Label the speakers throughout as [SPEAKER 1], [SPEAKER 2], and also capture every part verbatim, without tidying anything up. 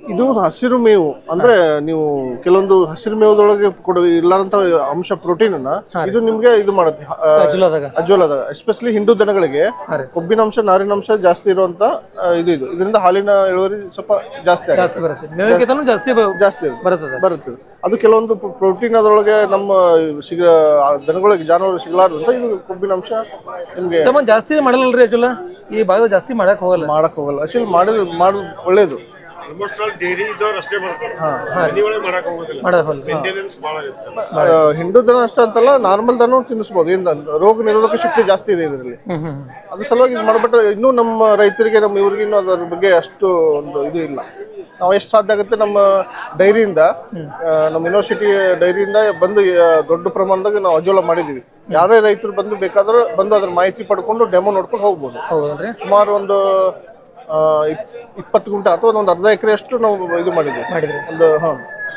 [SPEAKER 1] ಇದು ಹಸಿರು ಮೇವು ಅಂದ್ರೆ ನೀವು ಕೆಲವೊಂದು ಹಸಿರು ಮೇವದೊಳಗೆ ಕೊಡ ಇಲ್ಲಾರಂತ ಅಂಶ ಪ್ರೋಟೀನ್ ಅನ್ನ ಇದು ನಿಮ್ಗೆ ಇದು ಮಾಡುತ್ತೆ ಅಜ್ವಲದಾಗ ಎಸ್ಪೆಷಲಿ ಹಿಂದೂ ದನಗಳಿಗೆ ಕೊಬ್ಬಿನ ಅಂಶ ನಾರಿನ ಅಂಶ ಜಾಸ್ತಿ ಇರುವಂತ ಇದು ಇದು ಇದರಿಂದ ಹಾಲಿನ ಇಳುವರಿ ಸ್ವಲ್ಪ ಜಾಸ್ತಿ ಜಾಸ್ತಿ ಜಾಸ್ತಿ ಬರುತ್ತೆ ಅದು ಕೆಲವೊಂದು ಪ್ರೋಟೀನ್ ಅದರೊಳಗೆ ನಮ್ಮ ಸಿಗ ದನಗಳಿಗೆ ಜಾನುವಾರು ಸಿಗಲಾರ್ದಂತ ಇದು ಕೊಬ್ಬಿನ ಅಂಶ ನಿಮ್ಗೆ
[SPEAKER 2] ಜಾಸ್ತಿ ಮಾಡಲ್ರಿ ಅಜ್ವಲ ಈ ಭಾಗದ ಜಾಸ್ತಿ ಮಾಡಕ್ ಹೋಗಲ್ಲ
[SPEAKER 1] ಮಾಡಕ್ ಹೋಗಲ್ಲ ಆಕ್ಚುಲಿ ಮಾಡಿದ್ ಮಾಡೋದು ಒಳ್ಳೇದು ಹಿಂಡು ದನ ಅಷ್ಟೇ ಅಂತಲ್ಲ ನಾರ್ಮಲ್ ದನ ತಿನ್ನಿಸಬಹುದು ಏನ್ ರೋಗ ನಿರೋಧಕ ಶಕ್ತಿ ಜಾಸ್ತಿ ಇದೆ ಇದರಲ್ಲಿ ಅದ್ರ ಸಲುವಾಗಿ ಇದು ಮಾಡ್ಬಿಟ್ರೆ ಇನ್ನೂ ನಮ್ಮ ರೈತರಿಗೆ ನಮ್ಮ ಇವ್ರಿಗೆ ಇನ್ನೂ ಅದ್ರ ಬಗ್ಗೆ ಅಷ್ಟು ಒಂದು ಇದು ಇಲ್ಲ ನಾವು ಎಷ್ಟು ಸಾಧ್ಯ ಆಗುತ್ತೆ ನಮ್ಮ ಡೈರಿಯಿಂದ ನಮ್ಮ ಯೂನಿವರ್ಸಿಟಿ ಡೈರಿಯಿಂದ ಬಂದು ದೊಡ್ಡ ಪ್ರಮಾಣದಾಗ ನಾವು ಅಜೋಲ ಮಾಡಿದೀವಿ ಯಾರೇ ರೈತರು ಬಂದು ಬೇಕಾದ್ರೆ ಬಂದು ಅದ್ರ ಮಾಹಿತಿ ಪಡ್ಕೊಂಡು ಡೆಮೋ ನೋಡ್ಕೊಂಡು ಹೋಗ್ಬೋದು ಸುಮಾರು ಒಂದು ಇಪ್ಪತ್ತು ಗುಂಟೆ ಅಥವಾ ಒಂದು ಅರ್ಧ ಎಕರೆ ಅಷ್ಟು ನಾವು ಇದು ಮಾಡಿದ್ವಿ ಒಂದು ಹಾ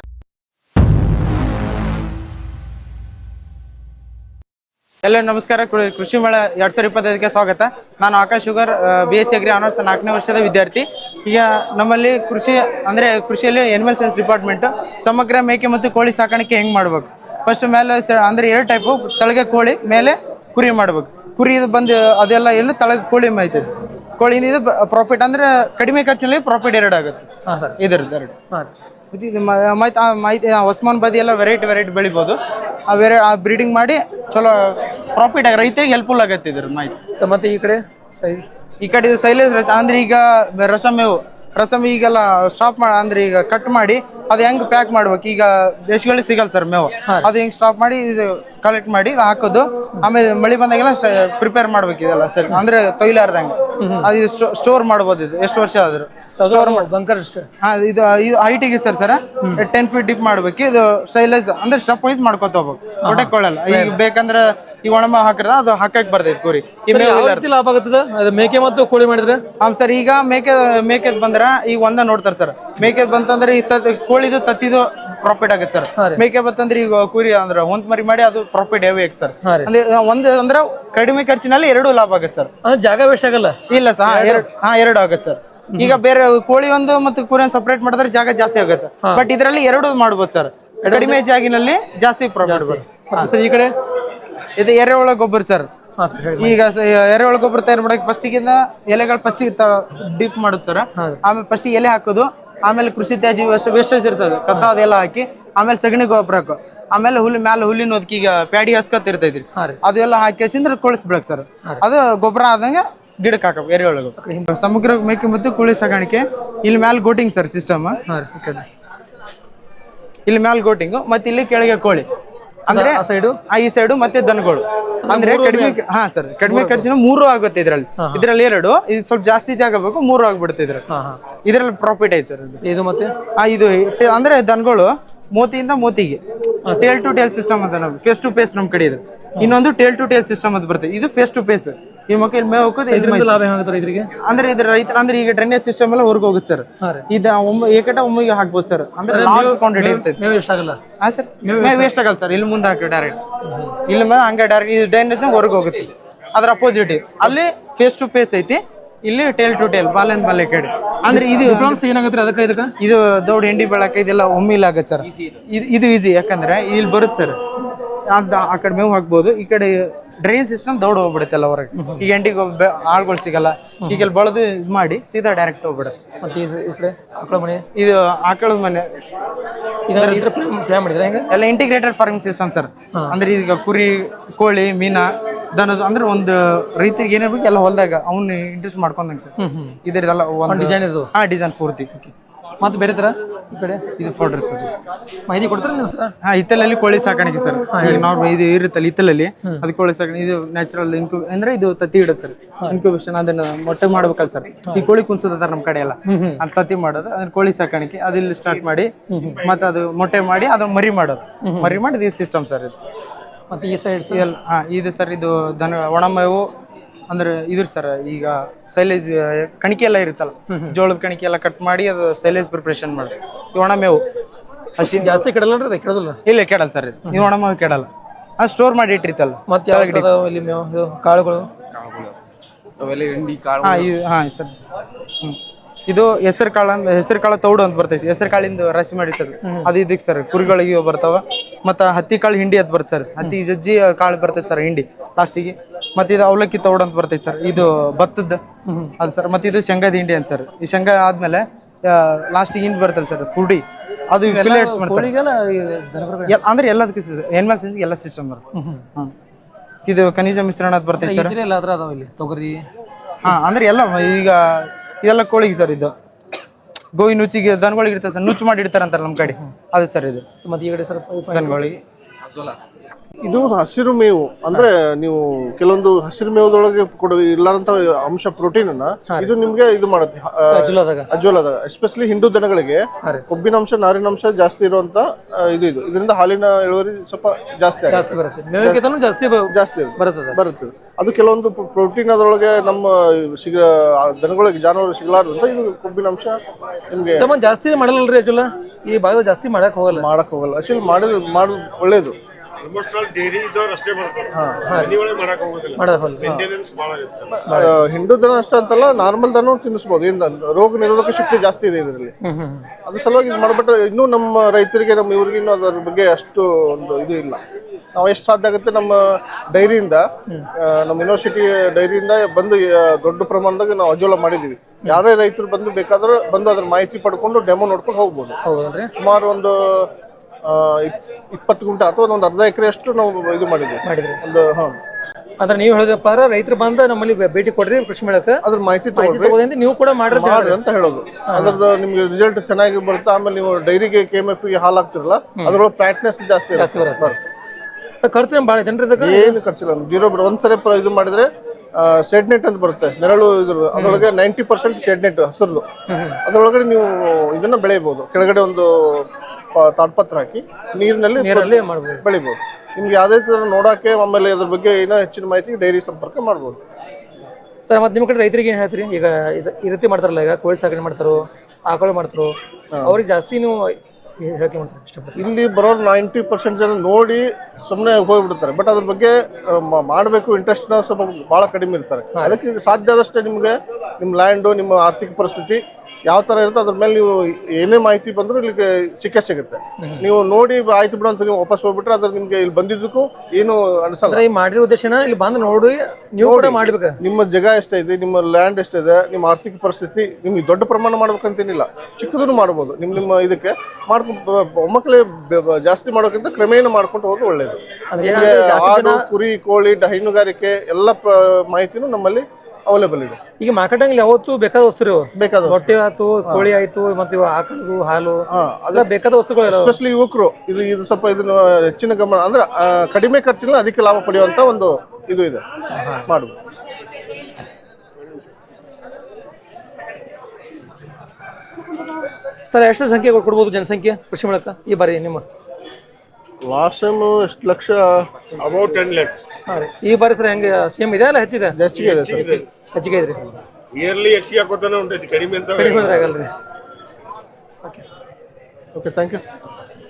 [SPEAKER 3] ಎಲ್ಲ ನಮಸ್ಕಾರ. ಕೃಷಿ ಮೇಳ ಎರಡ್ ಸಾವಿರದ ಇಪ್ಪತ್ತೈದಕ್ಕೆ ಸ್ವಾಗತ. ನಾನು ಆಕಾಶ್ ಶುಗರ್ B S C agri honours ನಾಲ್ಕನೇ ವರ್ಷದ ವಿದ್ಯಾರ್ಥಿ. ಈಗ ನಮ್ಮಲ್ಲಿ ಕೃಷಿ ಅಂದ್ರೆ ಕೃಷಿಯಲ್ಲಿ ಎನಿಮಲ್ ಸೈನ್ಸ್ ಡಿಪಾರ್ಟ್ಮೆಂಟ್ ಸಮಗ್ರ ಮೇಕೆ ಮತ್ತು ಕೋಳಿ ಸಾಕಾಣಿಕೆ ಹೆಂಗ್ ಮಾಡ್ಬೇಕು, ಫಸ್ಟ್ ಮೇಲೆ ಅಂದ್ರೆ ಎರಡು ಟೈಪು, ತಳಗೆ ಕೋಳಿ ಮೇಲೆ ಕುರಿ ಮಾಡ್ಬೇಕು. ಕುರಿ ಇದು ಬಂದು ಅದೆಲ್ಲ ಎಲ್ಲ ತಳಗೆ ಕೋಳಿ ಮಾಯ್ತದೆ. ಕೋಳಿಯಿಂದ ಇದು ಪ್ರಾಫಿಟ್ ಅಂದ್ರೆ ಕಡಿಮೆ ಖರ್ಚಿನಲ್ಲಿ ಪ್ರಾಫಿಟ್ ಎರಡು ಆಗುತ್ತೆ ಇದರದ್ದು ಎರಡು. ಮಾಹಿತಿ ಹೊಸ್ಮಾನ್ ಬದಿ ಎಲ್ಲ ವೆರೈಟಿ ವೆರೈಟಿ ಬೆಳಿಬೋದು. ಆ ವೆರೈ ಆ ಬ್ರೀಡಿಂಗ್ ಮಾಡಿ ಚಲೋ ಪ್ರಾಫಿಟ್ ಆಗ ರೈತರಿಗೆ ಹೆಲ್ಪ್ಫುಲ್ ಆಗತ್ತೆ ಇದ್ರ ಮಾಹಿತಿ.
[SPEAKER 2] ಮತ್ತೆ ಈ ಕಡೆ
[SPEAKER 3] ಈ ಕಡೆ ಸೈಲೇಜ್ ಅಂದ್ರೆ ಈಗ ರಸಮೇವು ರಸಮ್ ಈಗೆಲ್ಲ ಸ್ಟಾಪ್ ಮಾಡಿ ಅಂದ್ರೆ ಈಗ ಕಟ್ ಮಾಡಿ ಅದು ಹೆಂಗ್ ಪ್ಯಾಕ್ ಮಾಡ್ಬೇಕು. ಈಗ ದೇಶಗಳಿಗೆ ಸಿಗಲ್ಲ ಸರ್ ಮೇವು, ಅದು ಹೆಂಗ್ ಸ್ಟಾಪ್ ಮಾಡಿ ಇದು ಕಲೆಕ್ಟ್ ಮಾಡಿ ಹಾಕೋದು. ಆಮೇಲೆ ಮಳಿ ಬಂದಾಗೆಲ್ಲ ಪ್ರಿಪೇರ್ ಮಾಡ್ಬೇಕು ಇದೆಲ್ಲ ಸರಿ ಅಂದ್ರೆ ತೊಯ್ಲಾರ್ದಂಗೆ ಅದು ಸ್ಟೋರ್ ಮಾಡ್ಬೋದು. ಇದು ಎಷ್ಟು ವರ್ಷ ಆದ್ರು ಸ್ಟೋರ್
[SPEAKER 2] ಬಂಕರ್
[SPEAKER 3] ಹಾ ಇದು ಹೈಟಿಗೆ sir sir ten feet deep ಮಾಡ್ಬೇಕು. ಇದು ಸೈಲೇಜ್ ಅಂದ್ರೆ ಸ್ಟೆಪ್ ವೈಸ್ ಮಾಡ್ಕೊತ ಹೋಗ್ಬೇಕು, ಹೊಟ್ಟೆಕೊಳ್ಳಲ್ಲ. ಈಗ ಬೇಕಂದ್ರೆ ಈ ಒಣಮ ಹಾಕಿದ್ರೆ ಅದು ಹಾಕಕ್ ಬರ್ತೈತಿ ಕುರಿ.
[SPEAKER 2] ಲಾಭ ಆಗುತ್ತದ ಮೇಕೆ ಮತ್ತು ಕೋಳಿ ಮಾಡಿದ್ರೆ.
[SPEAKER 3] ಹೌದು ಸರ್, ಈಗ ಮೇಕೆ ಮೇಕೆದ್ ಬಂದ್ರ ಈಗ ಒಂದ ನೋಡ್ತಾರ ಸರ್. ಮೇಕೆದ್ ಬಂತಂದ್ರೆ ಈ ಕೋಳಿದು ತತ್ತಿದು ಪ್ರಾಫಿಟ್ ಆಗುತ್ತೆ ಸರ್. ಮೇಕೆ ಬಂತಂದ್ರೆ ಈಗ ಕುರಿ ಅಂದ್ರೆ ಒಂದ್ ಮರಿ ಮಾಡಿ ಅದು ಪ್ರಾಫಿಟ್ ಹೆವಿ ಆಗುತ್ತೆ ಸರ್. ಅಂದ್ರೆ ಒಂದ್ ಅಂದ್ರೆ ಕಡಿಮೆ ಖರ್ಚಿನಲ್ಲಿ ಎರಡು ಲಾಭ ಆಗುತ್ತೆ ಸರ್.
[SPEAKER 2] ಜಾಗ ವೇಸ್ಟ್ ಆಗಲ್ಲ.
[SPEAKER 3] ಇಲ್ಲ ಸರ್, ಎರಡು ಹಾ ಎರಡು ಆಗುತ್ತೆ ಸರ್. ಈಗ ಬೇರೆ ಕೋಳಿ ಒಂದು ಮತ್ತು ಕುರಿ ಸಪರೇಟ್ ಮಾಡಿದ್ರೆ ಜಾಗ ಜಾಸ್ತಿ ಆಗುತ್ತೆ. ಬಟ್ ಇದರಲ್ಲಿ ಎರಡು ಮಾಡ್ಬೋದು ಸರ್, ಕಡಿಮೆ ಜಾಗಿನಲ್ಲಿ ಜಾಸ್ತಿ ಪ್ರಾಫಿಟ್ ಬರುತ್ತೆ.
[SPEAKER 2] ಈ ಕಡೆ
[SPEAKER 3] ಇದು ಎರೆಹುಳ ಗೊಬ್ಬರ ಸರ್. ಈಗ ಎರೆಹುಳ ಗೊಬ್ಬರ ತಯಾರು ಮಾಡಕ್ಕೆ ಫಸ್ಟಿಗಿಂದ ಎಲೆಗಳು ಫಸ್ಟಿಗೆ ಡಿಪ್ ಮಾಡುದು ಸರ್. ಆಮೇಲೆ ಫಸ್ಟಿಗೆ ಎಲೆ ಹಾಕೋದು, ಆಮೇಲೆ ಕೃಷಿ ತ್ಯಾಜ್ಯ ವೇಸ್ಟೇಜ್ ಇರ್ತದೆ ಕಸ ಅದೆಲ್ಲ ಹಾಕಿ, ಆಮೇಲೆ ಸಗಣಿ ಗೊಬ್ಬರ ಹಾಕೋ, ಆಮೇಲೆ ಹುಲ್ಲು ಮ್ಯಾಲ ಹುಲ್ಲಿನ ಹೊದಕ್ಕೆ ಈಗ ಪ್ಯಾಡಿ ಹಸ್ಕತ್ ಇರ್ತೈತ್ರಿ ಅದೆಲ್ಲ ಹಾಕಿಸಿಂದ್ರೆ ಕೊಳಿಸ್ಬಿಡಕ್ ಸರ್. ಅದು ಗೊಬ್ಬರ ಆದಂಗೆ ಗಿಡಕ್ಕೆ ಹಾಕ ಎರೆಹುಳ. ಸಮಗ್ರ ಮೇಕೆ ಮತ್ತು ಕೋಳಿ ಸಾಗಾಣಿಕೆ. ಇಲ್ಲಿ ಮ್ಯಾಲ ಗೋಟಿಂಗ್ ಸರ್ ಸಿಸ್ಟಮ್, ಇಲ್ಲಿ ಮ್ಯಾಲ ಗೋಟಿಂಗ್ ಮತ್ತೆ ಇಲ್ಲಿ ಕೆಳಗೆ ಕೋಳಿ ಅಂದ್ರೆ
[SPEAKER 2] ಸೈಡು
[SPEAKER 3] ಈ ಸೈಡು ಮತ್ತೆ ದನಗಳು ಅಂದ್ರೆ ಕಡಿಮೆ ಹಾ ಸರ್ ಕಡಿಮೆ ಖರ್ಚಿನ ಮೂರು ಆಗುತ್ತೆ ಇದ್ರಲ್ಲಿ. ಇದ್ರಲ್ಲಿ ಎರಡು, ಇದು ಸ್ವಲ್ಪ ಜಾಸ್ತಿ ಜಾಗ ಬೇಕು, ಮೂರು ಆಗ್ಬಿಡುತ್ತೆ ಇದ್ರಲ್ಲಿ. ಇದ್ರಲ್ಲಿ ಪ್ರಾಫಿಟ್ ಐತೆ ಸರ್.
[SPEAKER 2] ಇದು ಮತ್ತೆ
[SPEAKER 3] ಇದು ಅಂದ್ರೆ ದನಗಳು ಮೋತಿಯಿಂದ ಮೋತಿಗೆ ಟೇಲ್ ಟು ಟೇಲ್ ಸಿಸ್ಟಮ್ ಅಂತ ನಾವು ಫೇಸ್ ಟು ಫೇಸ್ ನಮ್ ಕಡೆ ಇದೆ. ಇನ್ನೊಂದು ಟೇಲ್ ಟು ಟೇಲ್ ಸಿಸ್ಟಮ್ ಅಂತ ಬರುತ್ತೆ, ಇದು ಫೇಸ್ ಟು ಫೇಸ್. ಈ ಮಕ್ಕಳು ಇಲ್ಲಿ ಮೇವು ಹೋಗೋದು
[SPEAKER 2] ಲಾಭ ಹೆಂಗಾಗುತ್ತೆ ರೈತರಿಗೆ ಅಂದ್ರೆ
[SPEAKER 3] ಇದ್ರ ರೈತರ ಅಂದ್ರೆ ಈಗ ಡ್ರೈನೇಜ್ ಸಿಸ್ಟಮ್ ಎಲ್ಲ ಹೊರಗೆ ಹೋಗುತ್ತೆ ಸರ್. ಇದು ಒಮ್ಮೆ ಏಕಟ ಒಮ್ಮೆಗೆ ಹಾಕ್ಬೋದು ಸರ್. ಅಂದ್ರೆ ಲಾರ್ಜ್ ಕ್ವಾಂಟಿಟಿ ಇರ್ತೈತೆ.
[SPEAKER 2] ಮೇವು ವೇಸ್ಟ್ ಆಗಲ್ಲ.
[SPEAKER 3] ಹಾ ಸರ್, ಮೇವು ವೇಸ್ಟ್ ಆಗಲ್ಲ ಸರ್. ಇಲ್ಲಿ ಮುಂದೆ ಹಾಕಿ ಡೈರೆಕ್ಟ್ ಇಲ್ಲಿ ಮೇಲೆ ಹಂಗೆ ಡೈರೆಕ್ಟ್ ಇದು ಡ್ರೈನೇಜ್ ಹೊರಗೆ ಹೋಗುತ್ತೆ. ಅದ್ರ ಅಪೋಸಿಟ್ ಅಲ್ಲಿ ಫೇಸ್ ಟು ಫೇಸ್ ಐತಿ, ಇಲ್ಲಿ ಟೇಲ್ ಟು ಟೇಲ್ ಬಾಲೆನ್ ಬಾಲೆ ಕಡೆ. ಅಂದ್ರೆ ಇದು
[SPEAKER 2] ಏನಾಗುತ್ತೆ ಅದಕ್ಕೆ ಇದಕ್ಕೆ
[SPEAKER 3] ಇದು ದೌಡ್ ಎಂಡಿ ಬೆಳಕ ಇದೆಲ್ಲ ಒಮ್ಮಿಲ್ ಆಗತ್ತೆ ಸರ್. ಇದು ಇದು ಈಸಿ, ಯಾಕಂದ್ರೆ ಇಲ್ಲಿ ಬರುತ್ತೆ ಸರ್. ಅದ ಆ ಕಡೆ ಮೇವು ಹಾಕ್ಬೋದು, ಈ ಕಡೆ ಡ್ರೈನ್ ಸಿಸ್ಟಮ್ ದೌಡ್ ಹೋಗ್ಬಿಡುತ್ತೆ ಎಲ್ಲ ಹೊರಗೆ. ಈಗ ಎಂಟಿಗೆ ಆಳ್ಗಳು ಸಿಗಲ್ಲ, ಈಗ ಇಲ್ಲಿ ಬಳದು ಇದು ಮಾಡಿ ಸೀದಾ ಡೈರೆಕ್ಟ್ ಹೋಗ್ಬಿಡುತ್ತೆ.
[SPEAKER 2] ಮತ್ತೆ ಈ ಕಡೆ ಆಕಳ ಮನೆ,
[SPEAKER 3] ಇದು ಆಕಳದ ಮನೆ
[SPEAKER 2] ಪ್ಲಾನ್ ಮಾಡಿದ್ರೆ
[SPEAKER 3] ಎಲ್ಲ ಇಂಟಿಗ್ರೇಟೆಡ್ ಫಾರ್ಮಿಂಗ್ ಸಿಸ್ಟಮ್ ಸರ್. ಅಂದ್ರೆ ಈಗ ಕುರಿ, ಕೋಳಿ, ಮೀನಾ, ದನದ ಅಂದ್ರೆ ಒಂದು ರೈತರಿಗೆ ಏನೇ ಬೇಕು ಎಲ್ಲ ಹೊಲದಾಗ ಅವ್ನು ಇಂಟ್ರೆಸ್ಟ್ ಮಾಡ್ಕೊಂಡಂಗೆ ಸರ್. ಇದರದೆಲ್ಲ ಒಂದು
[SPEAKER 2] ಡಿಸೈನ್ ಇದು.
[SPEAKER 3] ಹಾ ಡಿಸೈನ್ ಪೂರ್ತಿ.
[SPEAKER 2] ಮತ್ತೆ ಬೇರೆ ತರ ಈ ಕಡೆ
[SPEAKER 3] ಇದು ಫೋಲ್ಡರ್ಸ್
[SPEAKER 2] ಮಾಹಿತಿ ಕೊಡ್ತಾರೆ ನೀವು.
[SPEAKER 3] ಹಾ ಹಿತ್ತಲಲ್ಲಿ ಕೋಳಿ ಸಾಕಾಣಿಕೆ ಸರ್. ಈಗ ನಾವು ಇದು ಇರುತ್ತಲ್ಲ ಹಿತ್ತಲಲ್ಲಿ ಅದು ಕೋಳಿ ಸಾಕಾಣಿಕೆ. ಇದು ನ್ಯಾಚುರಲ್ ಇನ್ಕ್ಯೂ ಅಂದ್ರೆ ಇದು ತತ್ತಿ ಇಡುತ್ತೆ ಸರ್. ಇನ್ಕ್ಯೂಬೇಷನ್ ಅದನ್ನ ಮೊಟ್ಟೆ ಮಾಡ್ಬೇಕಲ್ಲ ಸರ್. ಈ ಕೋಳಿ ಕುನ್ಸೋದಾರ ನಮ್ ಕಡೆ ಎಲ್ಲ ಅದು ತತ್ತಿ ಮಾಡೋದು, ಅದ್ರ ಕೋಳಿ ಸಾಕಾಣಿಕೆ ಅದಿಲ್ಲಿ ಸ್ಟಾರ್ಟ್ ಮಾಡಿ ಮತ್ತೆ ಅದು ಮೊಟ್ಟೆ ಮಾಡಿ ಅದು ಮರಿ ಮಾಡೋದು. ಮರಿ ಮಾಡಿ ಈ ಸಿಸ್ಟಮ್ ಸರ್ ಇದು.
[SPEAKER 2] ಮತ್ತೆ ಈ ಸೈಡ್
[SPEAKER 3] ಎಲ್ಲ ಹಾ ಇದು ಸರ್ ಇದು ದನ ಒಣಮೇವು ಅಂದ್ರೆ ಇದ್ರ ಸರ್. ಈಗ ಸೈಲೇಜ್ ಕಣಿಕೆ ಎಲ್ಲ ಇರುತ್ತಲ್ಲ, ಜೋಳದ ಕಣಿಕೆ ಎಲ್ಲ ಕಟ್ ಮಾಡಿ ಅದು ಸೈಲೇಜ್ ಪ್ರಿಪ್ರೇಷನ್ ಮಾಡಿ ಒಣ ಮೇವು
[SPEAKER 2] ಹಸಿ ಜಾಸ್ತಿ ಕೆಡಲ್ಲ ಕೆಡೋದಿಲ್ಲ.
[SPEAKER 3] ಇಲ್ಲ ಕೆಡಲ್ಲ ಸರ್, ಇದು ಒಣ ಮೇವು ಕೆಡಲ್ಲ. ಅದು ಸ್ಟೋರ್ ಮಾಡಿ ಇಟ್ಟಿರ್ತಲ್ಲ.
[SPEAKER 2] ಮತ್ತೆ ಇಲ್ಲಿ ಮೇವು ಕಾಳುಗಳು
[SPEAKER 3] ಹಾ ಹಾ ಸರ್. ಹ್ಮ್ ಇದು ಹೆಸರು ಕಾಳು ಅಂತ ಹೆಸರು ಕಾಳು ತೌಡು ಅಂತ ಬರ್ತೈತಿ. ಹೆಸರು ಕಾಳಿಂದ ರಾಶಿ ಮಾಡಿರ್ತದೆ ಅದು ಇದಕ್ಕೆ ಸರ್ ಕುರಿಗಳಿಗೆ ಬರ್ತಾವ. ಮತ್ತು ಹತ್ತಿ ಕಾಳು ಹಿಂಡಿ ಅಂತ ಬರ್ತದೆ ಸರ್. ಹತ್ತಿ ಜಜ್ಜಿ ಕಾಳು ಬರ್ತೈತೆ ಸರ್ ಹಿಂಡಿ ಲಾಸ್ಟಿಗೆ. ಮತ್ತು ಇದು ಅವಲಕ್ಕಿ ತೌಡು ಅಂತ ಬರ್ತೈತೆ ಸರ್. ಇದು ಭತ್ತದ ಅದು ಸರ್. ಮತ್ತು ಇದು ಶೇಂಗಾದ ಹಿಂಡಿ ಅಂತ ಸರ್. ಈ ಶೇಂಗಾ ಆದ್ಮೇಲೆ ಲಾಸ್ಟಿಗೆ ಹಿಂಡಿ ಬರ್ತಲ್ಲ ಸರ್ ಪುಡಿ, ಅದು ಪಿಲೇಟ್ಸ್ ಮಾಡ್ತಾರೆ ಎಲ್- ಅಂದ್ರೆ ಎಲ್ಲದಕ್ಕೆ ಎನಿಮಲ್ ಸೈನ್ಸ್ ಎಲ್ಲ ಸಿಸ್ಟಮ್ ಬರುತ್ತೆ. ಹಾಂ ಇದು ಖನಿಜ ಮಿಶ್ರಣ ಅಂತ ಬರ್ತೈತೆ ಸರ್.
[SPEAKER 2] ಎಲ್ಲ ಅದ್ರ ಅದಾವ ಇಲ್ಲಿ ತೊಗರಿ.
[SPEAKER 3] ಹಾಂ ಅಂದ್ರೆ ಎಲ್ಲ ಈಗ ಇದೆಲ್ಲ ಕೋಳಿಗೆ ಸರ್. ಇದು ಗೋವಿ ನುಚ್ಚಿಗೆ ದನಗಳಿಗೆ ಇರ್ತದೆ ಸರ್. ನುಚ್ಚು ಮಾಡಿ ಇಡ್ತಾರೆ ಅಂತಾರೆ ನಮ್ಮ ಕಡೆ, ಅದು ಸರ್. ಇದು
[SPEAKER 2] ಮತ್ತೆ ಈ ಕಡೆ ಸರ್
[SPEAKER 3] ದನಗಳಿಗೆ
[SPEAKER 1] ಇದು ಹಸಿರು ಮೇವು ಅಂದ್ರೆ ನೀವು ಕೆಲವೊಂದು ಹಸಿರು ಮೇವದೊಳಗೆ ಕೊಡ ಇಲ್ಲಾರಂತ ಅಂಶ ಪ್ರೋಟೀನ್ ಅನ್ನ ಇದು ನಿಮ್ಗೆ ಇದು ಮಾಡುತ್ತೆ.
[SPEAKER 2] ಅಜೋಲಾದಾಗ
[SPEAKER 1] ಅಜೋಲಾದಾಗ ಎಸ್ಪೆಷಲಿ ಹಿಂದೂ ದನಗಳಿಗೆ ಕೊಬ್ಬಿನಾಂಶ ನಾರಿನಾಂಶ ಜಾಸ್ತಿ ಇರುವಂತ ಆ, ಇದು ಇದು ಇದರಿಂದ ಹಾಲಿನ ಇಳುವರಿ ಸ್ವಲ್ಪ ಜಾಸ್ತಿ ಆಗುತ್ತೆ.
[SPEAKER 2] ಜಾಸ್ತಿ ಬರುತ್ತೆ. ಮೇವಿಗಿಂತನೂ ಜಾಸ್ತಿ ಬ-
[SPEAKER 1] ಜಾಸ್ತಿ
[SPEAKER 2] ಬರ್ತದೆ.
[SPEAKER 1] ಬರುತ್ತೆ. ಅದು ಕೆಲವೊಂದು ಪ್ರೋಟೀನ್ ಅದರೊಳಗೆ ನಮ್ಮ ಸಿಗ ಆ ದನಗಳಿಗೆ ಜಾನುವಾರು ಸಿಗಲಾರ್ದಂತ ಇದು ಕೊಬ್ಬಿನಾಂಶ ನಿಮ್ಗೆ
[SPEAKER 2] ಸಾಮಾನ್ ಜಾಸ್ತಿ ಮಾಡಲ್ಲಲ್ರಿ ಅಜೋಲಾ ಈ ಭಾಗದ ಜಾಸ್ತಿ ಮಾಡಕ್ ಹೋಗಲ್ಲ.
[SPEAKER 1] ಮಾಡಕ್ ಹೋಗಲ್ಲ. ಆಕ್ಚುಲಿ ಮಾಡಿದ್ ಮಾಡೋದು ಒಳ್ಳೇದು.
[SPEAKER 4] ಆಲ್ಮೋಸ್ಟ್ ಆಲ್ ಡೈರಿ ಇದ್ದವ್ರು ಅಷ್ಟೇ ಮಾಡ್ತಾರೆ. ಮನೆ ಒಳಗೆ ಮಾಡಕ್ ಹೋಗೋದಿಲ್ಲ.
[SPEAKER 2] ಮಾಡಕ್ ಹೋಗಲ್ಲ.
[SPEAKER 4] ಮೇಂಟೆನೆನ್ಸ್ ಭಾಳ ಇರುತ್ತೆ.
[SPEAKER 1] ಆ, ಹಿಂಡು ದನ ಅಷ್ಟೇ ಅಂತಲ್ಲ, ನಾರ್ಮಲ್ ದನ ತಿನ್ನಿಸ್ಬೋದು. ಏನ್ ರೋಗ ನಿರೋಧಕ ಶಕ್ತಿ ಜಾಸ್ತಿ ಇದೆ ಇದರಲ್ಲಿ.
[SPEAKER 2] ಹ್ಮ್ ಹ್ಮ್
[SPEAKER 1] ಅದ್ರ ಸಲುವಾಗಿ ಇದು ಮಾಡ್ಬಿಟ್ಟು ಇನ್ನೂ ನಮ್ಮ ರೈತರಿಗೆ ನಮ್ಮ ಇವ್ರಿಗೆ ಇನ್ನೂ ಅದರ ಬಗ್ಗೆ ಅಷ್ಟು ಒಂದು ಇದು ಇಲ್ಲ. ನಾವು ಎಷ್ಟು ಸಾಧ್ಯ ಆಗುತ್ತೆ ನಮ್ಮ ಡೈರಿಯಿಂದ ಆ, ನಮ್ಮ ಯೂನಿವರ್ಸಿಟಿ ಡೈರಿಯಿಂದ ಬಂದು ಆ, ದೊಡ್ಡ ಪ್ರಮಾಣದಾಗ ನಾವು ಅಜೋಲ ಮಾಡಿದೀವಿ. ಯಾರೇ ರೈತರು ಬಂದು ಬೇಕಾದ್ರೆ ಬಂದು ಅದ್ರ ಮಾಹಿತಿ ಪಡ್ಕೊಂಡು ಡೆಮೋ ನೋಡ್ಕೊಂಡು ಹೋಗ್ಬೋದು.
[SPEAKER 2] ಹೌದಲ್ರಿ.
[SPEAKER 1] ಸುಮಾರು ಒಂದು ಆ, ಇಪ್- ಇಪ್ಪತ್ತು ಗುಂಟೆ ಅಥವಾ ಒಂದು ಅರ್ಧ ಎಕರೆ ಅಷ್ಟು ನಾವು ಇದು ಮಾಡಿದ್ವಿ.
[SPEAKER 2] ಮಾಡಿದ್ರಿ.
[SPEAKER 1] ಒಂದು ಹಾ
[SPEAKER 2] ಅಂದ್ರೆ ನೀವು ಹೇಳಿದಪ್ಪ ರೈತರು ಬಂದ ನಮ್ಮಲ್ಲಿ ಭೇ- ಭೇಟಿ ಕೊಡ್ರಿ ಕೃಷಿ ಮೇಳಕ್ಕೆ,
[SPEAKER 1] ಅದ್ರ ಮಾಹಿತಿ
[SPEAKER 2] ಮಾಹಿತಿ
[SPEAKER 1] ತಗೊಳ್ರಿ
[SPEAKER 2] ತಗೋದಿಂದ ನೀವು ಕೂಡ ಮಾಡ್ರಿ ಅಂತ
[SPEAKER 1] ಮಾಡ್ರಿ ಅಂತ ಹೇಳೋದು. ಅದ್ರದ್ದು ನಿಮ್ಗೆ ರಿಸಲ್ಟ್ ಚೆನ್ನಾಗಿ ಬರುತ್ತೆ. ಆಮೇಲೆ ನೀವು ಡೈರಿಗೆ ಕೆ ಎಮ್ ಎಫ್ ಗೆ ಹಾಲು ಹಾಕ್ತಿರಲ್ಲ, ಅದ್ರೊಳಗೆ ಫ್ಯಾಟ್ನೆಸ್ ಜಾಸ್ತಿ
[SPEAKER 2] ಜಾಸ್ತಿ ಬರುತ್ತೆ. ಸರ್ ಖರ್ಚು ನಮ್ ಭಾಳ ಐತೇನ್ರಿ ಇದಕ್ಕೆ?
[SPEAKER 1] ಏನು ಖರ್ಚಿಲ್ಲ. ಜೀರೋ ಬಿಡ್ ಒಂದ್ಸರಿ ಪ್ರ- ಇದು ಮಾಡಿದ್ರೆ ಶೆಡ್ ನೆಟ್ ಅಂತ ಬರುತ್ತೆ, ನೆರಳು. ಇದ್ರ ಅದ್ರೊಳಗೆ ನೈಂಟಿ ಪರ್ಸೆಂಟ್ ಶೆಡ್ ನೆಟ್ ಹಸಿರುದು. ಅದ್ರೊಳಗಡೆ ನೀವು ಇದನ್ನ ಬೆಳೆಯಬಹುದು. ಕೆಳಗಡೆ ಒಂದು ಪ- ತಾಡ್ಪತ್ರ ಹಾಕಿ ನೀರಿನಲ್ಲಿ
[SPEAKER 2] ನೀರಲ್ಲಿ ಮಾಡ್ಬೋದು.
[SPEAKER 1] ಬೆಳಿಬಹುದು. ನಿಮ್ಗೆ ಯಾವ್ದೇ ತರ ನೋಡಕ್ಕೆ ಆಮೇಲೆ ಅದ್ರ ಬಗ್ಗೆ ಏನೋ ಹೆಚ್ಚಿನ ಮಾಹಿತಿ ಡೈರಿ ಸಂಪರ್ಕ ಮಾಡ್ಬೋದು.
[SPEAKER 2] ಸರ್ ಮತ್ತೆ ನಿಮ್ಮ ಕಡೆ ರೈತರಿಗೆ ಏನು ಹೇಳ್ತೀರಿ? ಈಗ ಇದು ಈ ರೀತಿ ಮಾಡ್ತಾರಲ್ಲ, ಈಗ ಕೋಳಿ ಸಾಕಣೆ ಮಾಡ್ತಾರೋ, ಆಕಳು ಮಾಡ್ತಾರೋ, ಅವ್ರಿಗೆ ಜಾಸ್ತಿ ನೀವು ಹೇಳಕ್ಕೆ ಮಾಡ್ತಾರೆ ಇಷ್ಟಪಡ್ತೀವಿ?
[SPEAKER 1] ಇಲ್ಲಿ ಬರೋ ನೈಂಟಿ ಪರ್ಸೆಂಟ್ ಜನ ನೋಡಿ ಸುಮ್ಮನೆ ಹೋಗ್ಬಿಡ್ತಾರೆ. ಬಟ್ ಅದ್ರ ಬಗ್ಗೆ ಆ, ಮ- ಮಾಡಬೇಕು ಇಂಟ್ರೆಸ್ಟ್ ಸ್ವಲ್ಪ ಬಹಳ ಕಡಿಮೆ ಇರ್ತಾರೆ. ಅದಕ್ಕೆ ಸಾಧ್ಯ ಆದಷ್ಟೇ ನಿಮ್ಗೆ ನಿಮ್ಮ ಲ್ಯಾಂಡು, ನಿಮ್ಮ ಆರ್ಥಿಕ ಪರಿಸ್ಥಿತಿ ಯಾವ ತರ ಇರುತ್ತೆ ಅದ್ರ ಮೇಲೆ ನೀವು ಏನೇ ಮಾಹಿತಿ ಬಂದ್ರು ಇಲ್ಲಿಗೆ ಸಿಕ್ಕೇ ಸಿಗುತ್ತೆ. ನೀವು ನೋಡಿ ಆಯ್ತು ಬಿಡು ಅಂತ ನೀವು ವಾಪಸ್ ಹೋಗ್ಬಿಟ್ರೆ ಅದ್ರ ನಿಮ್ಗೆ ಇಲ್ಲಿ ಬಂದಿದ್ದಕ್ಕೂ ಏನು ಅನ್ಸಲ್ಲ.
[SPEAKER 2] ಅಂದ್ರೆ ಈ ಮಾಡಿರೋ ಉದ್ದೇಶನ ಇಲ್ಲಿ ಬಂದು ನೋಡಿ ನೀವು ಕೂಡ ಮಾಡ್ಬೇಕು.
[SPEAKER 1] ನಿಮ್ಮ ಜಾಗ ಎಷ್ಟಿದೆ, ನಿಮ್ಮ ಲ್ಯಾಂಡ್ ಎಷ್ಟಿದೆ, ನಿಮ್ಮ ಆರ್ಥಿಕ ಪರಿಸ್ಥಿತಿ, ನಿಮ್ಗೆ ದೊಡ್ಡ ಪ್ರಮಾಣ ಮಾಡ್ಬೇಕಂತೇನಿಲ್ಲ, ಚಿಕ್ಕದನ್ನು ಮಾಡ್ಬೋದು. ನಿಮ್ ನಿಮ್ಮ ಇದಕ್ಕೆ ಮಾಡ್ಕೊಂಡು ಒಮ್ಮಕ್ಕಳೇ ಜಾಸ್ತಿ ಮಾಡೋಕ್ಕಿಂತ ಕ್ರಮೇಣ ಮಾಡ್ಕೊಂಡು ಹೋಗೋದು ಒಳ್ಳೇದು.
[SPEAKER 2] ಅಂದ್ರೆ
[SPEAKER 1] ನಿಮ್ಗೆ
[SPEAKER 2] ಏನಾದ್ರೆ ಜಾಸ್ತಿ
[SPEAKER 1] ಆಡು, ಕುರಿ, ಕೋಳಿ, ಹೈನುಗಾರಿಕೆ ಎಲ್ಲ ಪ್ರ- ಮಾಹಿತಿನೂ ನಮ್ಮಲ್ಲಿ ಅವೈಲೇಬಲ್ ಇದೆ.
[SPEAKER 2] ಈಗ ಮಾರ್ಕೆಟಂಗ್ ಯಾವತ್ತು ಬೇಕಾದ ವಸ್ತು ರೀ,
[SPEAKER 1] ಬೇಕಾದ
[SPEAKER 2] ಮೊಟ್ಟೆ ಆಯ್ತು, ಕೋಳಿ ಆಯ್ತು, ಮತ್ತೆ ಇವು ಆಕಳು ಹಾಲು, ಅದ ಬೇಕಾದ ವಸ್ತುಗಳು ಇದಾವೆ.
[SPEAKER 1] ಎಸ್ಪೆಷಲಿ ಯುವಕರು ಇದು ಇದು ಸ್ವಲ್ಪ ಇದನ್ನ ಹೆಚ್ಚಿನ ಗಮನ ಅಂದ್ರೆ ಆ, ಕಡಿಮೆ ಖರ್ಚಿನಲ್ಲಿ ಅದಕ್ಕೆ ಲಾಭ ಪಡೆಯುವಂತ ಒಂದು ಇದು ಇದೆ, ಮಾಡುದು.
[SPEAKER 2] ಸರ್ ಎಷ್ಟು ಸಂಖ್ಯೆ ಕೊಡ್ಬೋದು ಜನಸಂಖ್ಯೆ ಕೃಷಿ ಮೇಳಕ್ಕ ಈ ಬಾರಿ ನಿಮ್ಮ?
[SPEAKER 1] ಲಾಸ್ಟ್ ಟೈಮ್ ಎಷ್ಟು ಲಕ್ಷ
[SPEAKER 4] ಅಬೌಟ್ ಟೆನ್ ಲ್ಯಾಕ್.
[SPEAKER 2] ಹಾಂ ರೀ. ಈ ಬಾರಿ ಸರ್ ಹೆಂಗೆ ಸೇಮ್ ಇದೆ ಅಲ್ಲ ಹೆಚ್ಚಿದೆ?
[SPEAKER 1] ಹೆಚ್ಚಿಗೆ ಇದೆ ಸರ್.
[SPEAKER 2] ಹೆಚ್ಚಿಗೆ ಐತ್ರಿ.
[SPEAKER 4] ಇಯರ್ಲಿ ಹೆಚ್ಚಿಗೆ ಹಾಕೋತಾನೆ ಉಂಟೈತಿ, ಕಡಿಮೆ ಅಂತ
[SPEAKER 2] ಕಡಿಮೆ ಅಂದ್ರೆ ಆಗಲ್ರಿ. Okay sir.
[SPEAKER 1] Okay, thank you.